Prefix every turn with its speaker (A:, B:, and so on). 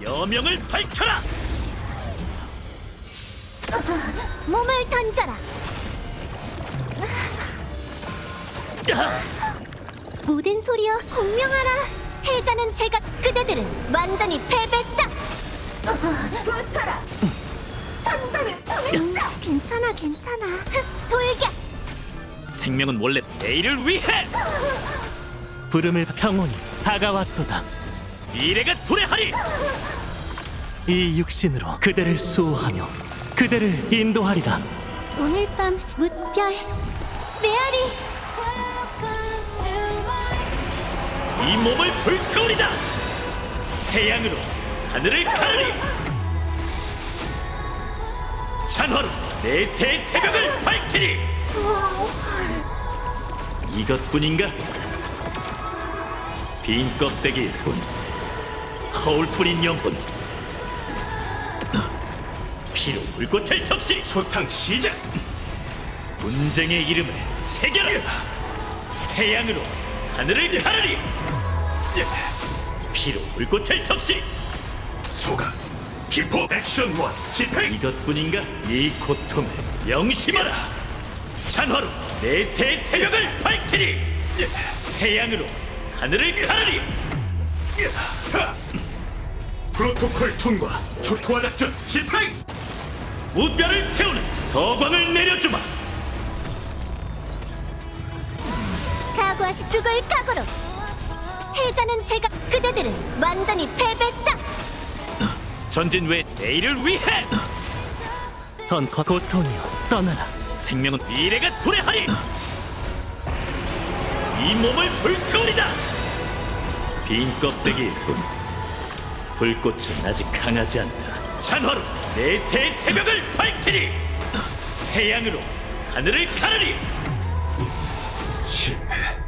A: 여명을 밝혀라!
B: 몸을 던져라. 모든 소리여 공명하라. 해자는 제가 그대들을 완전히 패배했다. 붙어라. 선동을 통했어. 괜찮아. 돌격.
A: 생명은 원래 내일을 위해!
C: 부름을 평온이 다가왔도다.
A: 미래가 도래하리!
C: 이 육신으로 그대를 수호하며 그대를 인도하리라.
B: 오늘 밤 무별 메아리.
A: 이 몸을 불태우리다! 태양으로 하늘을 가르리! 찬화로 내 새 새벽을 밝히리! 이것뿐인가? 빈 껍데기일 뿐, 허울 뿌린 영혼. 피로 불꽃을 적시! 소탕 시작! 분쟁의 이름을 새겨라! 태양으로 하늘을 가르리! 피로 불꽃을 적시! 소각 기포 액션 원 집행! 이것뿐인가? 이 고통을 명심하라! 찬화로 내 새 새벽을 밝히리! 태양으로 하늘을 가르리! 프로토콜 통과! 초토화 작전 집행! 무뼈를 태우는 서광을 내려주마!
B: 각오하시 죽을 각오로. 해자는 제가 그대들을 완전히 패배했다.
A: 전진 외 내일을 위해!
C: 전과 고통이여 떠나라.
A: 생명은 미래가 도래하리! 이 몸을 불태우리다! 빈 껍데기일 뿐, 불꽃은 아직 강하지 않다. 찬화로 내 새 새벽을 밝히리! 태양으로 하늘을 가르리! 실패.